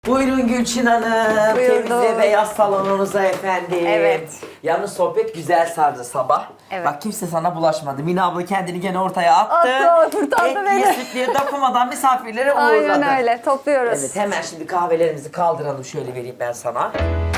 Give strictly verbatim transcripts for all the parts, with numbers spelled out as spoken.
Buyurun Gülçin Hanım. Buyurdum. Temizle beyaz salonunuza efendim. Evet. Yalnız sohbet güzel sardı sabah. Evet. Bak kimse sana bulaşmadı. Mine abla kendini gene ortaya attı. Attı, kurtardı Etliye beni. sütlüye dokunmadan misafirlere uğurladı. Aynen öyle. Topluyoruz. Evet, hemen şimdi kahvelerimizi kaldıralım. Şöyle vereyim ben sana.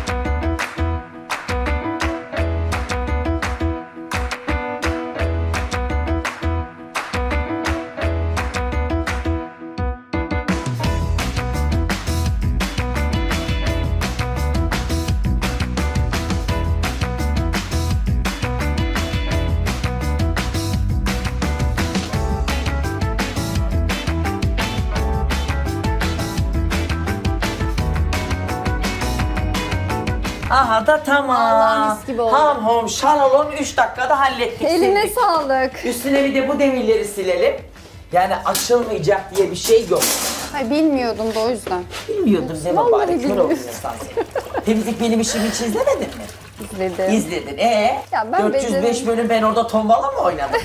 Aha da tamam. Vallahi mis gibi oldu. Ham hom şalalon üç dakikada hallettik. Eline sildik. sağlık. Üstüne bir de bu demirleri silelim. Yani açılmayacak diye bir şey yok. Hayır bilmiyordum da o yüzden. Bilmiyordum Zema Vallahi bari kör bilmiyorum. oldun insan. Temizlik benim işimi hiç izlemedin mi? İzledim. İzledin. Ee? Ya ben dört yüz beş beceremedim. bölüm ben orada tombala mı oynadım?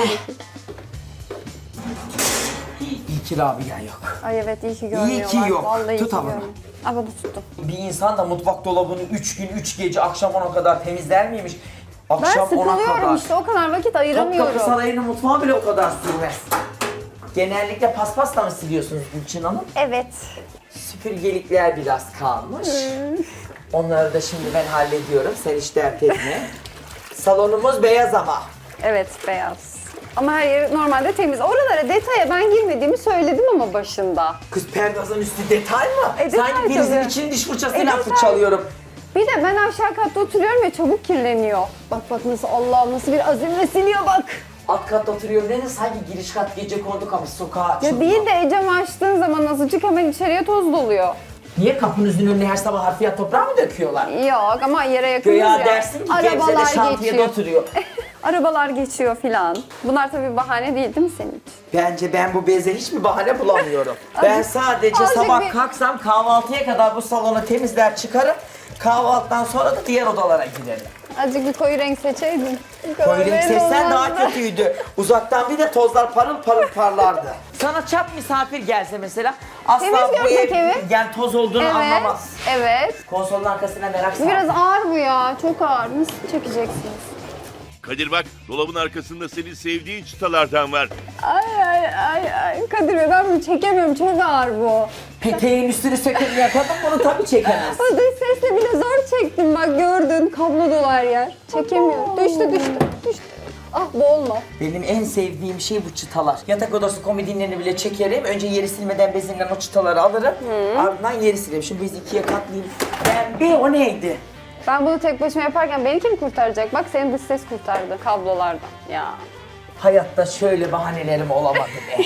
İyi ki Rabia yok. Ay evet iyi ki görmüyorlar. ki yok. Vallahi Tut iyi ki ama. görmüyor. Aa bunu tuttum. Bir insan da mutfak dolabını üç gün üç gece akşam ona kadar temizler miymiş? Ben Akşam ona sıkılıyorum kadar. işte o kadar vakit Topkapı ayıramıyorum. Sarayı'nın mutfağı bile o kadar sürmez. Genellikle paspasla mı siliyorsunuz Gülçin Hanım? Evet. Süpürgelikler biraz kalmış. Onları da şimdi ben hallediyorum. Sen hiç dert etme. Salonumuz beyaz ama. Evet beyaz. Ama her yeri normalde temiz. Oralara detaya ben girmediğimi söyledim ama başında. Kız perdazın üstü detay mı? E, detay Sanki birinizin tabii. için diş fırçasıyla E, detay. fırçalıyorum. Bir de ben aşağı katta oturuyorum ya çabuk kirleniyor. Bak bak nasıl Allah nasıl bir azimle siliyor bak. Alt katta oturuyorum dedi sanki giriş kat gece kondu kapı sokağa açıldı. Ya değil de camı açtığın zaman azıcık hemen içeriye toz doluyor. Niye kapınızın önüne her sabah harfiyat toprağı mı döküyorlar? Yok ama yere yakınız Göya ya. dersin ki Gebze'de şantiyede oturuyor. Arabalar geçiyor filan. Bunlar tabii bahane değil değil mi senin için? Bence ben bu beze hiçbir bahane bulamıyorum. ben sadece azıcık sabah bir- kalksam kahvaltıya kadar bu salonu temizler çıkarım. Kahvaltıdan sonra da diğer odalara giderim. Azıcık bir koyu renk seçeydin. Koyu renk Böyle seçsen daha olmazdı. kötüydü. Uzaktan bir de tozlar parıl parıl parlardı. Sana çap misafir gelse mesela asla Temiz bu görsek ev evi. yani toz olduğunu Evet, anlamaz. evet. Konsolun arkasına merak sardı. Biraz ağır bu ya, çok ağır. Nasıl çekeceksiniz? Kadir bak, dolabın arkasında senin sevdiğin çıtalardan var. Ay ay ay ay. Kadir Bey ben bunu çekemiyorum, çok ağır bu. Peteğin üstünü sökemeyen kadın bunu tabii çekemez. O dış sesle bile zor çektim bak gördün. Kablo dolar yer. Çekemiyorum. Düştü düştü düştü. Ah boğulma. Benim en sevdiğim şey bu çıtalar. Yatak odası komodinlerini bile çekerim. Önce yeri silmeden bezinden o çıtaları alırım. Ardından yeri silerim. Şimdi bezi ikiye katlayayım. Ben bir o neydi? Ben bunu tek başıma yaparken beni kim kurtaracak? Bak senin dış ses kurtardı kablolardan. Ya. Hayatta şöyle bahanelerim olamadı be.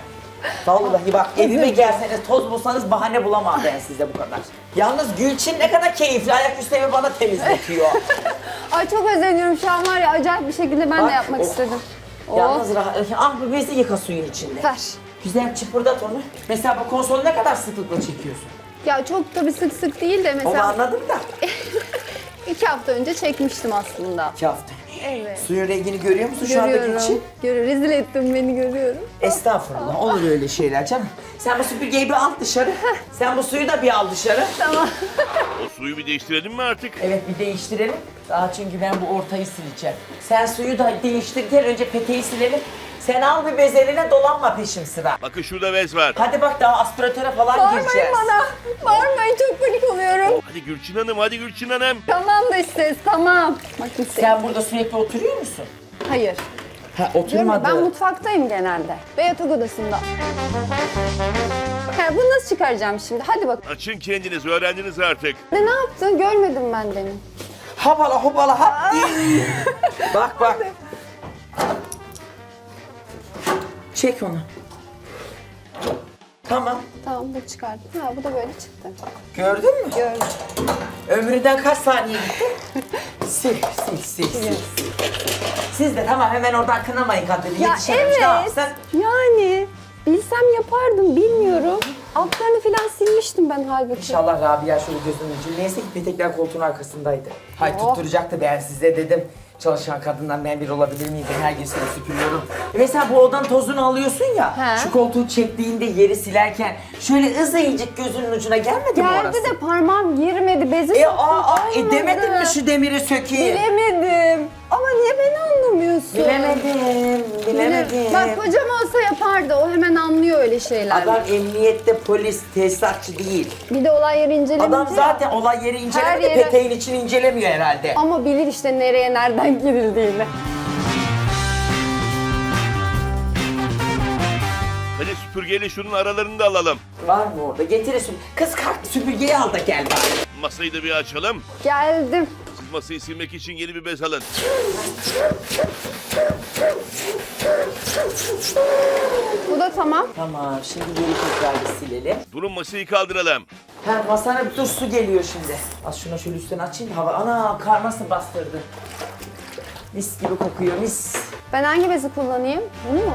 Vallahi bak evime gelseniz toz bulsanız bahane bulamam ben size bu kadar. Yalnız Gülçin ne kadar keyifli ayaküstü evi bana temizletiyor. Ay çok özeniyorum şu an var ya acayip bir şekilde ben Bak, de yapmak oh. istedim. Oh. Yalnız rahat. Ah bu bezi yıka suyun içinde. Ver. Güzel çıpırdat onu. Mesela bu konsolu ne kadar sıklıkla çekiyorsun? Ya çok tabii sık sık değil de Onu mesela anladım da. iki hafta önce çekmiştim aslında. İki hafta. Evet. Suyun rengini görüyor musun şu anda Görüyorum. Gülçin? Görüyorum. Rezil ettin beni görüyorum. Estağfurullah olur öyle şeyler canım. Sen bu süpürgeyi bir al dışarı. Sen bu suyu da bir al dışarı. Tamam. O suyu bir değiştirelim mi artık? Evet bir değiştirelim. Daha çünkü ben bu ortayı sileceğim. Sen suyu da değiştir gel önce peteği silelim. Sen al bir bez eline dolanma peşim sıra. Bakın şurada bez var. Hadi bak daha aspiratöre falan Bağırmayın gireceğiz. bana. Bağırmayın çok panik oluyorum. Hadi Gülçin Hanım, hadi Gülçin Hanım. Tamam da ses tamam. Bak işte. Sen burada sürekli oturuyor musun? Hayır. Ha Diyorum ya, oturmadı. ben mutfaktayım genelde. Ve yatak odasında. Ha, bunu nasıl çıkaracağım şimdi? Hadi bak. Açın kendiniz, öğrendiniz artık. Ne, ne yaptın? Görmedim ben demin. Hopala hopala hop. Bak bak. Çek onu. Tamam. Tamam bu çıkardım. Ha bu da böyle çıktı. Gördün mü? Gördüm. Ömründen kaç saniye gitti? sil, sil, sil, sil. Siz de tamam hemen oradan kınamayın kadını. Ya Yetişememiş ne evet. yapsın? Yani bilsem yapardım bilmiyorum. Altlarını falan silmiştim ben halbuki. İnşallah Rabia şöyle gözünün ucu. Neyse ki petekler koltuğun arkasındaydı. Hay Oh. tutturacaktı ben size dedim. çalışan kadından ben bir olabilir miyim? Ben her gün seni süpürüyorum. E mesela bu odanın tozunu alıyorsun ya. He. Şu koltuğu çektiğinde yeri silerken şöyle ızayıcık gözünün ucuna gelmedi mi orası? Geldi de parmağım girmedi. Bezi E soktum, aa, aa e olmadı. demedin mi şu demiri sökeyim? Bilemedim. Ama niye beni anlamıyorsun? Bilemedim, bilemedim. Bak kocam olsa yapardı. O hemen anlıyor öyle şeyler. Adam emniyette polis, tesisatçı değil. Bir de olay yeri incelemeci. Adam zaten olay yeri incelemedi, yere- peteğin içini incelemiyor herhalde. Ama bilir işte nereye nereden girildiğini. Hadi süpürgeyle şunun aralarını da alalım. Var mı orada? Getir süpürge. Kız kalk süpürgeyi al da gel bari. Masayı da bir açalım. Geldim. Siz masayı silmek için yeni bir bez alın. Bu da tamam. Tamam, şimdi geri tekrar bir silelim. Durun masayı kaldıralım. Ha masana bir dur su geliyor şimdi. Az şuna şöyle üstten açayım da hava. Ana kar nasıl bastırdı. Mis gibi kokuyor mis. Ben hangi bezi kullanayım? Bunu mu?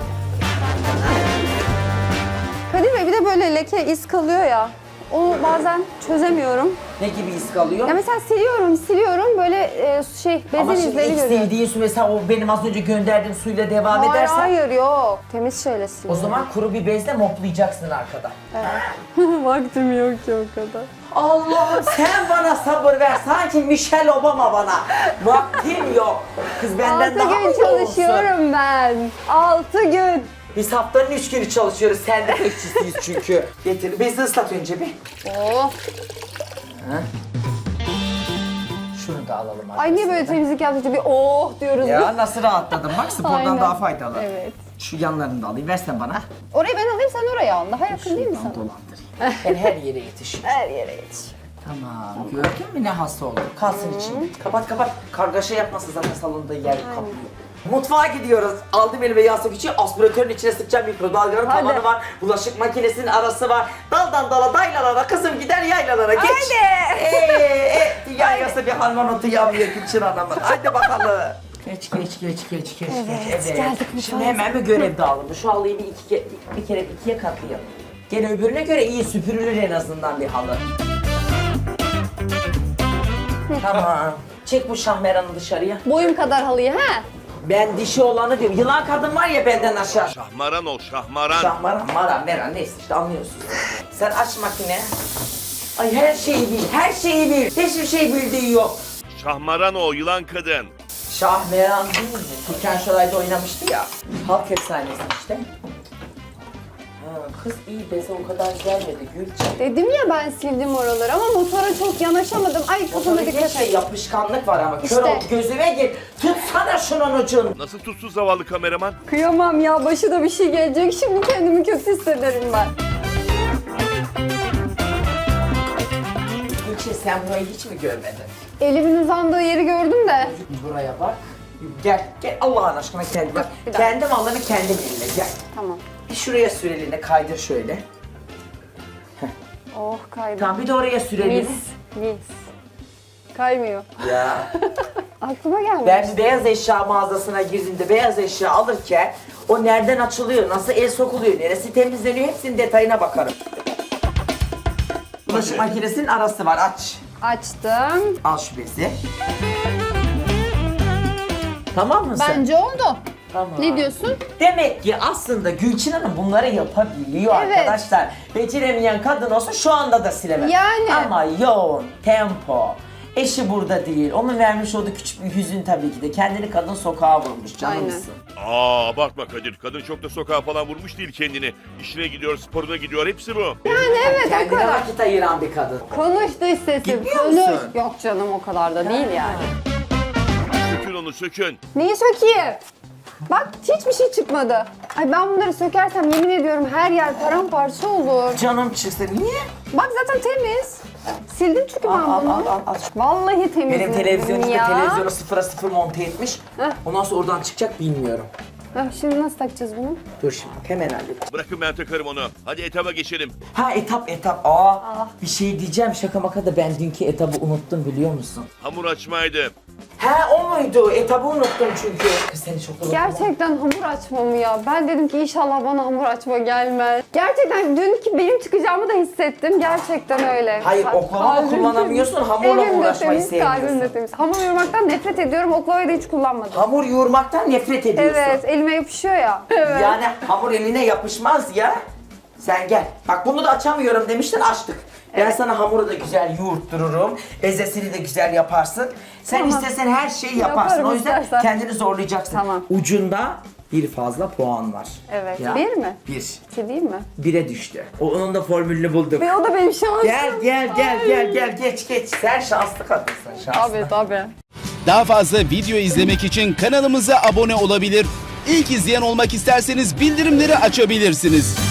Kadir Bey bir de böyle leke iz kalıyor ya. Onu bazen çözemiyorum. Ne gibi iz kalıyor? Ya mesela siliyorum, siliyorum böyle e, şey bezin Ama şimdi izleri ilk görüyorum. sildiğin su mesela o benim az önce gönderdiğim suyla devam Hayır edersen. hayır yok. Temiz şeyle O siliyorum. zaman kuru bir bezle moplayacaksın arkada. Vaktim yok ki o kadar. Allah'ım sen bana sabır ver. Sanki Michelle Obama bana. Vaktim yok. Kız benden Altı daha mı gün iyi olsun? çalışıyorum ben. Altı gün. Biz haftanın üç günü çalışıyoruz. Sen de bekçisiyiz çünkü. Getir. Bezi ıslat önce bir. Oh. Şunu da alalım Ay niye böyle arkasından. temizlik yaptıkça bir oh diyoruz. Ya nasıl rahatladım. Bak spordan Aynen. daha faydalı. Evet. Şu yanlarını da alayım. Versen bana. Orayı ben alayım sen oraya al. Daha yakın değil mi Şuradan sana? dolandırayım. Ben her yere yetişiyorum. Her yere yetiş. Tamam. Gördün mü ne hasta oldu? Kalsın içinde. Kapat kapat. Kargaşa yapmasın zaten salonda yer kaplıyor. Mutfağa gidiyoruz. Aldım elime yastık içi, aspiratörün içine sıkacağım, mikrodalganın Hadi. tavanı var, bulaşık makinesinin arası var. Daldan dala daylalara, kızım gider yaylalara geç. Hadi. Eee, dünya yasa bir harmonotu yanmıyor Gülçin Hanım'ın. Hadi bakalım. Geç geç geç geç geç Evet, geç. geldik Şimdi mutfağa. hemen bir görev dağılımı. Şu halıyı bir, iki, ke- bir, bir kere ikiye katlayalım. Gene öbürüne göre iyi süpürülür en azından bir halı. Tamam. Çek bu şahmeranı dışarıya. Boyum kadar halıyı ha? Ben dişi olanı diyorum. Yılan kadın var ya benden aşağı. Şahmaran ol şahmaran. Şahmaran, maran, meran neyse işte anlıyorsun. Sen aç makine. Ay her şeyi bil, her şeyi bil. Hiçbir şey bildiği yok. Şahmaran o yılan kadın. Şahmeran değil mi? Türkan Şoray'da oynamıştı ya. Halk efsanesi işte. Ha, kız iyi beze o kadar gelmedi Gülçin. Dedim ya ben sildim oraları ama motora çok yanaşamadım. Ay kafama Sana dikkat şey et. yapışkanlık var ama kör İşte. ol gözüme gir. Tutsana şunun ucunu. Nasıl tutsuz zavallı kameraman? Kıyamam ya başına bir şey gelecek. Şimdi kendimi kötü hissederim ben. Gülçin sen burayı hiç mi görmedin? Elimin uzandığı yeri gördüm de. Buraya bak. Gel, gel Allah'ın aşkına kendi bak. bir dakika. Kendi malını kendin eline gel. Tamam. Bir şuraya sür elini kaydır şöyle. Oh kaydı. Tamam bir de oraya sür elini. Mis. Mis. Kaymıyor. Ya. Aklıma gelmedi. Ben bir beyaz eşya mağazasına girdiğimde beyaz eşya alırken o nereden açılıyor, nasıl el sokuluyor, neresi temizleniyor hepsinin detayına bakarım. Bulaşık makinesinin arası var aç. Açtım. Al şu bezi. Tamam mı sen? Bence oldu. Tamam. Ne diyorsun? Demek ki aslında Gülçin Hanım bunları yapabiliyor Evet. arkadaşlar. Beceremeyen kadın olsa şu anda da silemez. Yani. Ama yoğun, tempo, eşi burada değil. Onun vermiş olduğu küçük bir hüzün tabii ki de. Kendini kadın sokağa vurmuş canımsın. Aa abartma Kadir. Kadın çok da sokağa falan vurmuş değil kendini. İşine gidiyor, sporuna gidiyor. Hepsi bu. Yani evet o Kendine kadar. vakit ayıran bir kadın. Konuş dış sesim. Gitmiyor Konuş. musun? Yok canım o kadar da değil yani. Sökün onu sökün. Neyi sökeyim? Bak hiçbir şey çıkmadı. Ay ben bunları sökersem yemin ediyorum her yer paramparça olur. Canım çıksa niye? Bak zaten temiz. Sildim çünkü ben Al, al, bunu. al, al, al. Vallahi temiz. Benim televizyonumda ya. televizyonu sıfıra sıfır monte etmiş. Heh. Ondan sonra oradan çıkacak bilmiyorum. Heh, şimdi nasıl takacağız bunu? Dur şimdi hemen halledeyim. Bırakın ben takarım onu. Hadi etaba geçelim. Ha etap etap. Aa, bir şey diyeceğim şaka maka da ben dünkü etabı unuttum biliyor musun? Hamur açmaydı. He o muydu? Etabı unuttum çünkü. Kız seni çok unuttum. Gerçekten hamur açma mı ya? Ben dedim ki inşallah bana hamur açma gelmez. Gerçekten dünkü benim çıkacağımı da hissettim. Gerçekten öyle. Hayır, Kal- oklava mı kalbim kullanamıyorsun, temiz. hamurla mı Elim de uğraşmayı temiz, kalbim de sevmiyorsun? temiz. Hamur yoğurmaktan nefret ediyorum. Oklavayı da hiç kullanmadım. Hamur yoğurmaktan nefret ediyorsun. Evet, elime yapışıyor ya. Evet. Yani hamur eline yapışmaz ya. Sen gel. Bak bunu da açamıyorum demiştin, açtık. Ben sana hamuru da güzel yoğurttururum. Bezesini de güzel yaparsın. Sen Tamam. istesen her şeyi yaparsın. Yaparım O yüzden istersen. kendini zorlayacaksın. Tamam. Ucunda bir fazla puan var. Evet. Ya. Bir mi? Bir. İki değil mi? Bire düştü. O, onun da formülünü bulduk. Ve o da benim şansım. Gel gel gel Ay. gel gel geç geç. Sen şanslı kadınsın, şanslı. Tabii tabii. Daha fazla video izlemek için kanalımıza abone olabilir. İlk izleyen olmak isterseniz bildirimleri açabilirsiniz.